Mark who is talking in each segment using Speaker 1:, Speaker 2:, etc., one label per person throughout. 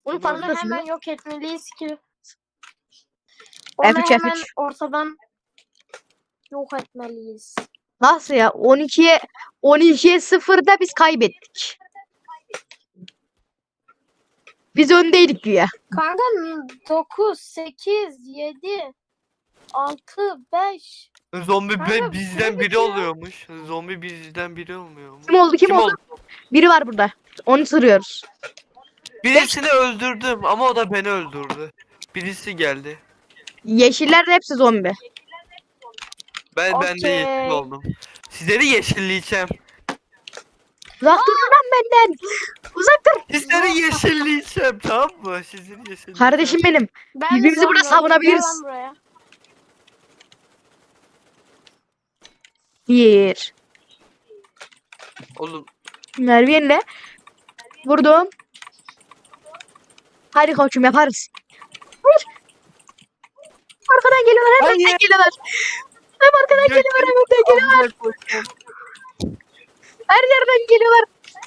Speaker 1: Onun
Speaker 2: Onu
Speaker 1: farkındasın değil
Speaker 2: hemen
Speaker 1: mi?
Speaker 2: yok etmeliyiz ki. Onu
Speaker 1: F3
Speaker 2: hemen
Speaker 1: F3.
Speaker 2: ortadan yok etmeliyiz.
Speaker 1: Nasıl ya? 12'ye 0'da biz kaybettik. Biz öndeydik güya.
Speaker 2: Kanka 9, 8, 7, 6, 5.
Speaker 3: Zombi
Speaker 2: Kanka,
Speaker 3: bizden
Speaker 2: süre
Speaker 3: biri
Speaker 2: bitiyor.
Speaker 3: oluyormuş. Zombi bizden biri olmuyormuş.
Speaker 1: Kim oldu? Kim oldu? Biri var burada. Onu sırıyoruz.
Speaker 3: Birisini öldürdüm ama o da beni öldürdü. Birisi geldi.
Speaker 1: Yeşiller de hepsi zombi.
Speaker 3: Ben de yeşil
Speaker 2: Okey.
Speaker 3: oldum. Sizleri yeşilleyeceğim.
Speaker 1: Uzak durun lan benden. Uzak dur.
Speaker 3: Sizleri yeşilleyeceğim, tamam mı? Sizleri yeşilleyeceğim.
Speaker 1: Kardeşim benim.
Speaker 2: Ben
Speaker 1: Birbirimizi
Speaker 2: de
Speaker 1: burada
Speaker 2: sanmıyorum.
Speaker 1: savunabiliriz.
Speaker 2: Gel lan buraya.
Speaker 1: Bir.
Speaker 3: Oğlum
Speaker 1: Merve'yle vurdum. Hadi koçum yaparız. Hayır. Arkadan geliyorlar. Hem önden
Speaker 3: Hayır.
Speaker 1: geliyorlar. Hem arkadan geliyorlar hem önden geliyorlar. Her yerden geliyorlar.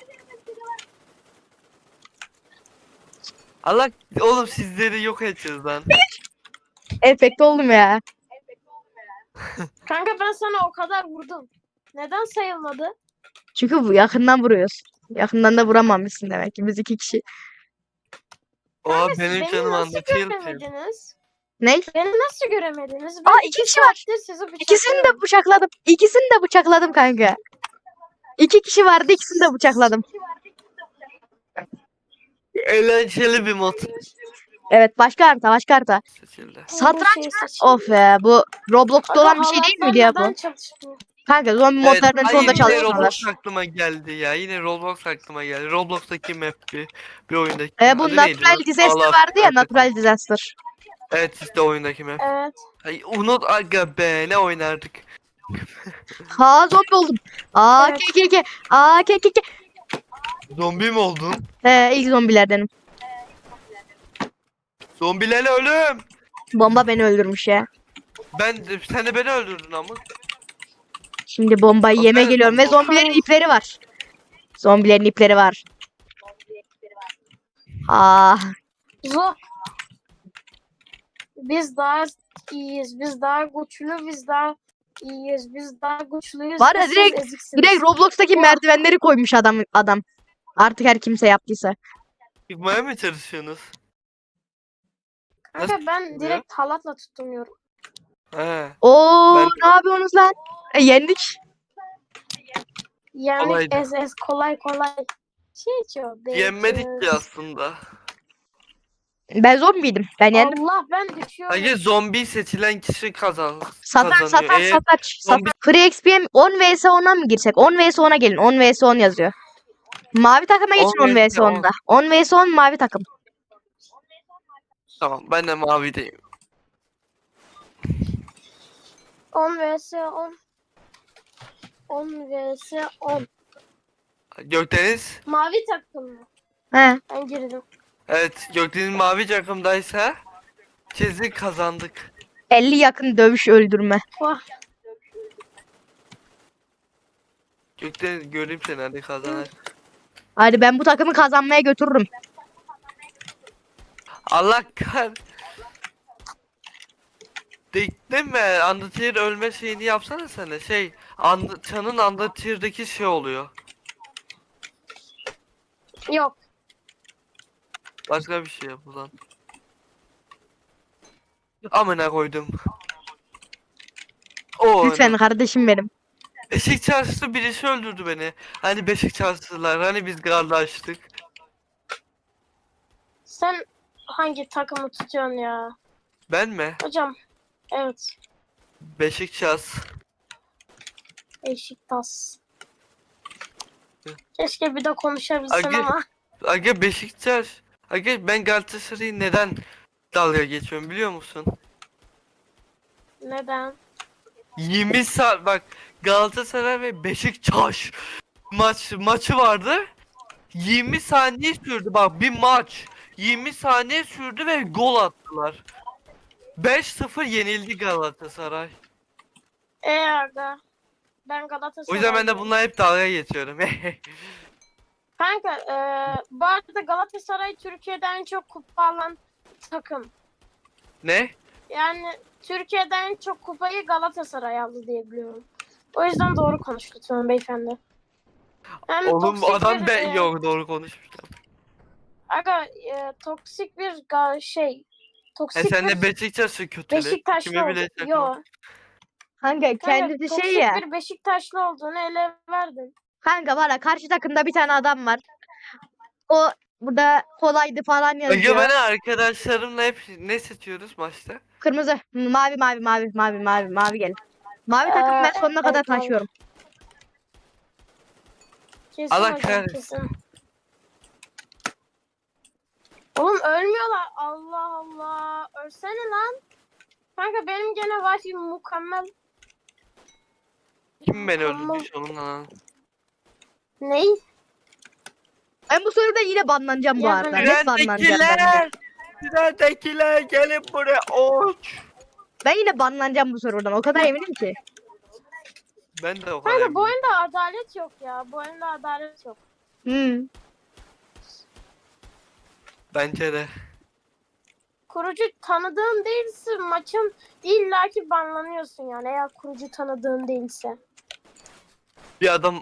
Speaker 3: Allah oğlum sizleri yok edeceğiz lan.
Speaker 1: Efekt oldum ya.
Speaker 2: Kanka ben sana o kadar vurdum. Neden sayılmadı?
Speaker 1: Çünkü bu yakından vuruyoruz. Yakından da vuramamışsın demek ki biz 2 kişi.
Speaker 3: Oha
Speaker 2: Siz
Speaker 3: benim
Speaker 2: beni
Speaker 3: canım
Speaker 2: nasıl
Speaker 3: anlatıyor ki.
Speaker 2: göremediniz?
Speaker 1: Ne?
Speaker 2: Beni nasıl göremediniz?
Speaker 1: Aa, 2 kişi var.
Speaker 2: Sizi
Speaker 1: İkisini de bıçakladım. İkisini de bıçakladım kanka. 2 kişi vardı, ikisini de bıçakladım.
Speaker 3: Eğlenceli bir mod
Speaker 1: Evet, başka harita, başka harita.
Speaker 3: seçildi.
Speaker 1: Satranç mı? Of be, bu Roblox'ta olan bir şey değil miydi ya bu? Kanka zombi modlarının
Speaker 3: ay
Speaker 1: sonunda
Speaker 3: yine
Speaker 1: çalışmıyorlar.
Speaker 3: Roblox aklıma geldi ya. Yine Roblox aklıma geldi. Roblox'taki map bir oyundaki.
Speaker 1: Bu
Speaker 3: Adı neydi
Speaker 1: Natural
Speaker 3: lan?
Speaker 1: Disaster
Speaker 3: Allah
Speaker 1: vardı ya,
Speaker 3: affetsin.
Speaker 1: Natural Disaster.
Speaker 3: Evet işte oyundaki map.
Speaker 2: Evet.
Speaker 3: Ay unut aga be ne oynardık.
Speaker 1: Ha, zombi oldum. Aa,
Speaker 2: Evet.
Speaker 1: ke. Aa, ke.
Speaker 3: Zombi mi oldun?
Speaker 1: İlk zombilerdenim.
Speaker 3: Zombilerle ölüm.
Speaker 1: Bomba beni öldürmüş ya.
Speaker 3: Sen de beni öldürdün ama.
Speaker 1: Şimdi bombayı yeme
Speaker 3: Evet,
Speaker 1: geliyorum ve
Speaker 3: bomba.
Speaker 1: zombilerin ipleri var. Zombilerin ipleri var. Ah,
Speaker 2: Zo. Biz daha iyiyiz. Biz daha güçlü. Biz daha iyiyiz. Biz daha güçlüyüz.
Speaker 1: Var ya,
Speaker 2: ve siz
Speaker 1: direkt-
Speaker 2: eziksiniz.
Speaker 1: direkt Roblox'taki
Speaker 2: Vah.
Speaker 1: merdivenleri koymuş adam. Artık her kimse yaptıysa.
Speaker 3: Çıkmaya mı çalışıyorsunuz?
Speaker 2: Kanka ben
Speaker 3: tutuluyor?
Speaker 2: direkt halatla tutunuyorum.
Speaker 3: He.
Speaker 1: Oo,
Speaker 3: Ben-
Speaker 1: ne yapıyorsunuz lan? Yendik.
Speaker 2: Yani
Speaker 3: Kolaydı.
Speaker 2: ez kolay. Çok
Speaker 3: Yenmedik ki aslında.
Speaker 1: Ben zombiydim. Ben yendim.
Speaker 2: Allah ben düşüyorum.
Speaker 3: Hayır zombi seçilen kişi kazanıyor.
Speaker 1: Satranç. Free XP'ye 10 vs 10'a mı girsek? 10 vs 10'a gelin. 10 vs 10 yazıyor. Mavi takıma geçin 10 vs 10'da. 10 vs 10 mavi takım.
Speaker 3: Tamam ben de mavideyim.
Speaker 2: 10 vs 10. 10 vs 10.
Speaker 3: Gökdeniz.
Speaker 2: Mavi takım mı?
Speaker 1: He.
Speaker 2: Ben girdim.
Speaker 3: Evet Gökdeniz mavi takımdaysa kesin kazandık.
Speaker 1: 50 yakın dövüş öldürme.
Speaker 2: Vah.
Speaker 3: Gökdeniz göreyim seni hadi kazanar.
Speaker 1: Hadi ben bu takımı kazanmaya götürürüm.
Speaker 3: Allah kar. Değil mi? Undertale ölme şeyini yapsana sen de. Çan'ın Undertale'deki şey oluyor.
Speaker 2: Yok.
Speaker 3: Başka bir şey yap ulan. Amına koydum. O
Speaker 1: Lütfen kardeşim benim.
Speaker 3: Beşik çarşısı birisi öldürdü beni. Hani Beşik çarşısılar, hani biz kardeştik.
Speaker 2: Sen hangi takımı tutuyorsun ya?
Speaker 3: Ben mi?
Speaker 2: Hocam. Evet.
Speaker 3: Beşiktaş.
Speaker 2: Beşiktaş. Keşke bir de konuşabilsen
Speaker 3: Aga-
Speaker 2: ama.
Speaker 3: Aga Beşiktaş. Aga ben Galatasaray'ı neden dalga geçiyorum biliyor musun?
Speaker 2: Neden?
Speaker 3: 20 saat bak Galatasaray ve Beşiktaş maçı vardı. 20 saniye sürdü bak bir maç. 20 saniye sürdü ve gol attılar. 5-0 yenildi Galatasaray.
Speaker 2: Aga. Ben
Speaker 3: O
Speaker 2: Galatasaray.
Speaker 3: yüzden ben de bununla hep dalga geçiyorum.
Speaker 2: Kanka bu arada Galatasaray Türkiye'de en çok kupa alan takım.
Speaker 3: Ne?
Speaker 2: Yani Türkiye'de en çok kupayı Galatasaray aldı diye biliyorum. O yüzden doğru konuş lütfen beyefendi. Hem
Speaker 3: Oğlum
Speaker 2: toksik
Speaker 3: adam
Speaker 2: bir,
Speaker 3: ben yok doğru konuşmuş.
Speaker 2: aga toksik bir toksik
Speaker 3: Sen
Speaker 2: bir
Speaker 3: de Beşiktaş'ı kötüle.
Speaker 2: Beşiktaşlı
Speaker 3: Kime
Speaker 2: oldu.
Speaker 3: bile
Speaker 2: Yo.
Speaker 1: Kanka
Speaker 2: Kanka
Speaker 1: kendisi
Speaker 2: toksik
Speaker 1: şey ya.
Speaker 2: bir Beşiktaşlı olduğunu ele verdin.
Speaker 1: Kanka var ya karşı takımda bir tane adam var. O burada kolaydı falan
Speaker 3: Önce
Speaker 1: yazıyor.
Speaker 3: ben arkadaşlarımla hep ne seçiyoruz maçta?
Speaker 1: Kırmızı. Mavi mavi mavi mavi mavi mavi gelin. Mavi takım ben sonuna kadar
Speaker 2: Evet, mavi.
Speaker 1: taşıyorum.
Speaker 2: Kesin
Speaker 3: Allah
Speaker 2: hocam
Speaker 3: kahretsin.
Speaker 2: kesin. Oğlum ölmüyorlar. Allah Allah. Ölsene lan. Kanka benim gene Wi-Fi mükemmel.
Speaker 3: Kim beni
Speaker 2: Tamam.
Speaker 3: öldürmüş onunla lan?
Speaker 2: Ney?
Speaker 1: Ben bu soruda yine banlanacağım bu
Speaker 2: Ya
Speaker 1: arada.
Speaker 2: hani-
Speaker 1: Net banlanacağım ben de.
Speaker 3: Trendekiler! Trendekiler gelin buraya oç!
Speaker 1: Ben yine banlanacağım bu sorudan. O kadar eminim ki.
Speaker 3: Ben de o kadar
Speaker 2: Kanka bu
Speaker 3: eminim.
Speaker 2: oyunda adalet yok ya. Bu oyunda adalet yok.
Speaker 1: Hmm.
Speaker 3: Bence de.
Speaker 2: Kurucu tanıdığın değilse maçın illaki banlanıyorsun yani eğer kurucu tanıdığın değilse.
Speaker 3: Bir adam...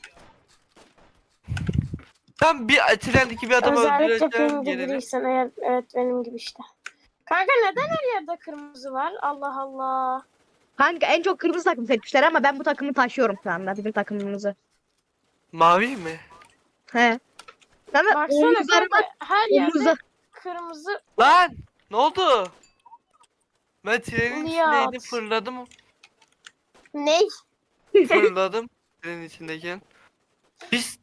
Speaker 3: Tam bir trendeki bir adam
Speaker 2: Özellikle
Speaker 3: öldüreceğim
Speaker 2: benim gibi
Speaker 3: yerine.
Speaker 2: değilsen eğer, evet benim gibi işte. Kanka neden her yerde kırmızı var? Allah Allah.
Speaker 1: Kanka en çok kırmızı takım seçmişler ama ben bu takımı taşıyorum şu anda. Bizim takımımızı.
Speaker 3: Mavi mi?
Speaker 1: He. Sana
Speaker 2: Baksana
Speaker 1: omuzlarıma
Speaker 2: kanka her
Speaker 1: omuza.
Speaker 2: yerde kırmızı.
Speaker 3: Lan! Ne oldu? Ben trenin
Speaker 2: Nihat.
Speaker 3: içindeydim fırladım.
Speaker 2: Ney?
Speaker 3: Fırladım trenin içindeyken. Biz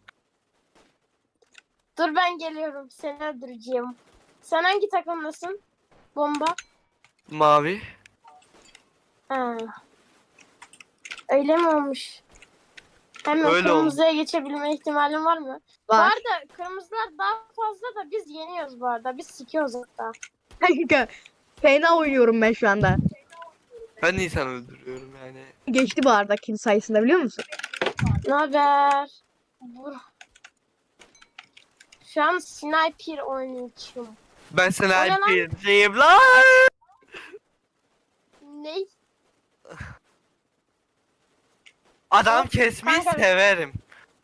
Speaker 2: Dur ben geliyorum seni öldüreceğim. Sen hangi takımdasın? Bomba.
Speaker 3: mavi.
Speaker 2: Ha. Öyle mi olmuş? Hemen
Speaker 3: Öyle
Speaker 2: kırmızıya geçebilme ihtimalin var mı? Bu
Speaker 1: Var.
Speaker 2: arada kırmızılar daha fazla da biz yeniyoruz bu arada. Biz sikiyoruz hatta.
Speaker 1: Kanka fena oynuyorum ben şu anda.
Speaker 3: Ben insan öldürüyorum yani.
Speaker 1: Geçti bu arada kill sayısında biliyor musun?
Speaker 2: Ne haber? Şu an sniper oynuyorum.
Speaker 3: Ben sana
Speaker 2: O ne lan?
Speaker 3: alpiyim lan.
Speaker 2: Ney?
Speaker 3: Adam
Speaker 2: Of,
Speaker 3: kesmeyi
Speaker 2: kanka.
Speaker 3: severim.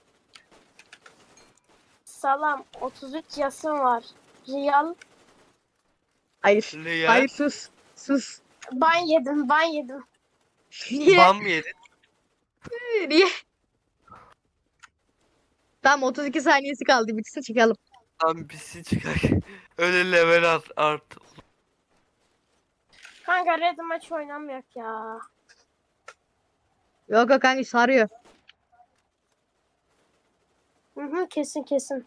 Speaker 2: Salam 33 yasım var. Real.
Speaker 1: Hayır.
Speaker 3: Real.
Speaker 1: Hayır sus. Sus.
Speaker 2: Ban yedim ban yedim.
Speaker 1: Niye?
Speaker 3: Bam mı yedin?
Speaker 1: Niye? Tamam 32 saniyesi kaldı. Bitsin çıkalım.
Speaker 3: Lan birisi çıkar. Öyle level art.
Speaker 2: Kanka red maç oynamıyor ya.
Speaker 1: Yok yok kanka sarıyor.
Speaker 2: Hı hı, kesin kesin.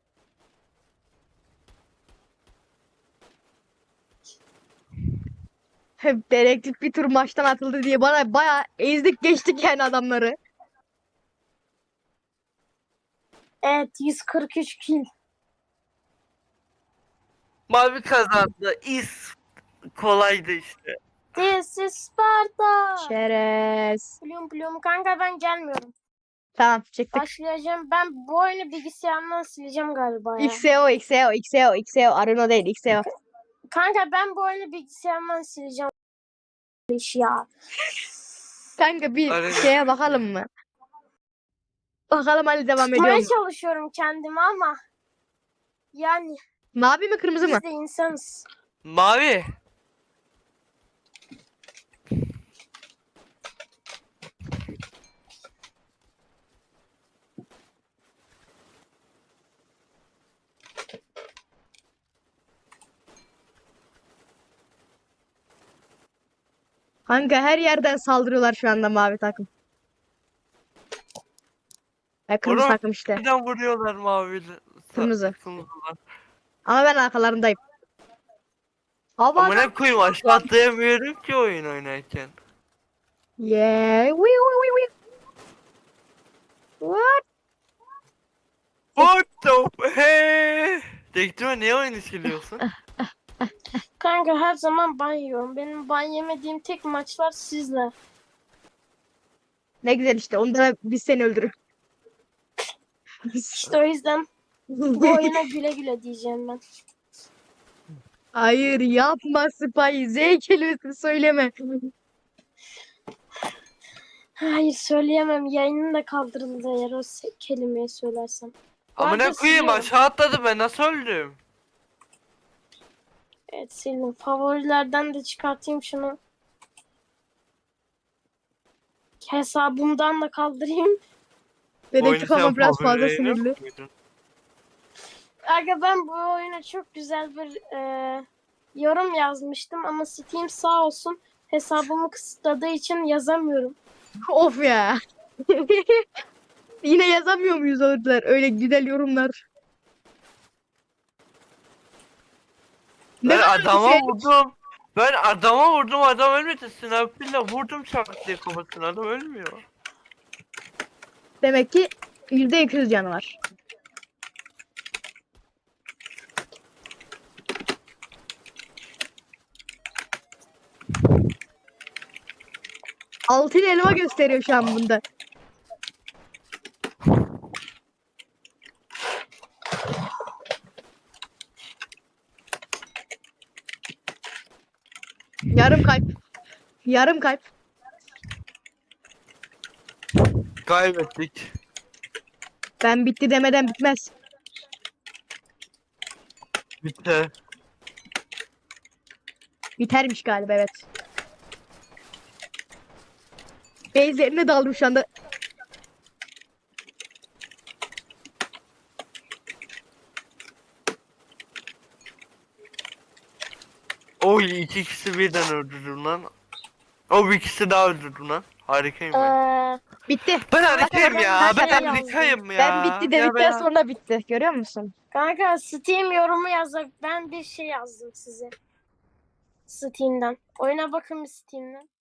Speaker 1: Hep dedektif bir tur maçtan atıldı diye bana bayağı ezdik geçtik yani adamları.
Speaker 2: Evet 143 kill.
Speaker 3: Mavi kazandı. Kolaydı işte.
Speaker 2: This is Sparta.
Speaker 1: Şerez.
Speaker 2: Plum plum kanka ben gelmiyorum.
Speaker 1: Tamam çıktık.
Speaker 2: Başlayacağım. Ben bu oyunu bilgisayarımdan sileceğim galiba ya.
Speaker 1: XEO XEO XEO XEO Arena değil XEO.
Speaker 2: Kanka ben bu oyunu bilgisayarımdan sileceğim. İş ya.
Speaker 1: Kanka bir
Speaker 3: Arena.
Speaker 1: şeye bakalım mı? Bakalım hadi devam ediyor
Speaker 2: Tutmaya
Speaker 1: mu?
Speaker 2: çalışıyorum kendimi ama yani
Speaker 1: Mavi mi kırmızı mı?
Speaker 2: biz de insanız.
Speaker 3: Mavi.
Speaker 1: Kanka her yerden saldırıyorlar şu anda mavi takım. Kırmızı
Speaker 3: Oğlum,
Speaker 1: takım işte.
Speaker 3: Neden vuruyorlar mavili?
Speaker 1: Kırmızı.
Speaker 3: Kırmızılar.
Speaker 1: Ama ben arkalarındayım. Hava
Speaker 3: Ama ne koyayım aşağı atlayamıyorum ki oyun oynarken.
Speaker 1: yeah. Wee. What?
Speaker 3: What the hey? Dektime niye oyunu siliyorsun?
Speaker 2: Kanka her zaman ban yiyorum. Benim ban yemediğim tek maçlar sizle.
Speaker 1: Ne güzel işte. Onda biz seni öldürür.
Speaker 2: İşte o yüzden bu oyuna güle güle diyeceğim ben.
Speaker 1: Hayır yapma Spy. Z kelimesini söyleme.
Speaker 2: Hayır söyleyemem. Yayının da kaldırıldı eğer o kelimeyi söylersem.
Speaker 3: Amına
Speaker 2: Vardı,
Speaker 3: koyayım
Speaker 2: siliyorum.
Speaker 3: aşağı atladı ben nasıl öldüm?
Speaker 2: Evet sildim. Favorilerden de çıkartayım şunu. Hesabımdan da kaldırayım.
Speaker 1: Dedektif ama
Speaker 3: sen
Speaker 1: biraz fazla
Speaker 3: favorilerini
Speaker 1: sinirli.
Speaker 3: koydun.
Speaker 2: Aga ben bu oyuna çok güzel bir yorum yazmıştım ama Steam sağ olsun hesabımı kısıtladığı için yazamıyorum.
Speaker 1: Of ya. Yine yazamıyor muyuz orada öyle güzel yorumlar? Ne
Speaker 3: Ben
Speaker 1: kadar
Speaker 3: adama
Speaker 1: şey-
Speaker 3: vurdum. Ben adama vurdum adam ölmedi. Sniper'la vurdum çak diye kafasına adam ölmüyor.
Speaker 1: Demek ki %200 canı var. Altın elma gösteriyor şu an bunda. Yarım kalp. Yarım kalp.
Speaker 3: Kaybettik.
Speaker 1: Ben bitti demeden bitmez.
Speaker 3: Bitti.
Speaker 1: Bitermiş galiba evet. Base'lerine daldım şu anda.
Speaker 3: Oy iki kişi birden öldürdüm lan. O bir ikisi daha öldürdüm lan. Harikayım ben.
Speaker 1: Bitti.
Speaker 3: Ben harikayım ya. Ben
Speaker 2: ben
Speaker 3: harikayım ya.
Speaker 1: Ben bitti
Speaker 3: Ya
Speaker 1: dedikten
Speaker 3: ben-
Speaker 1: sonra bitti. Görüyor musun?
Speaker 2: Kanka Steam yorumu yazak. Ben bir şey yazdım size. Steam'den. Oyuna bakın bir Steam'den.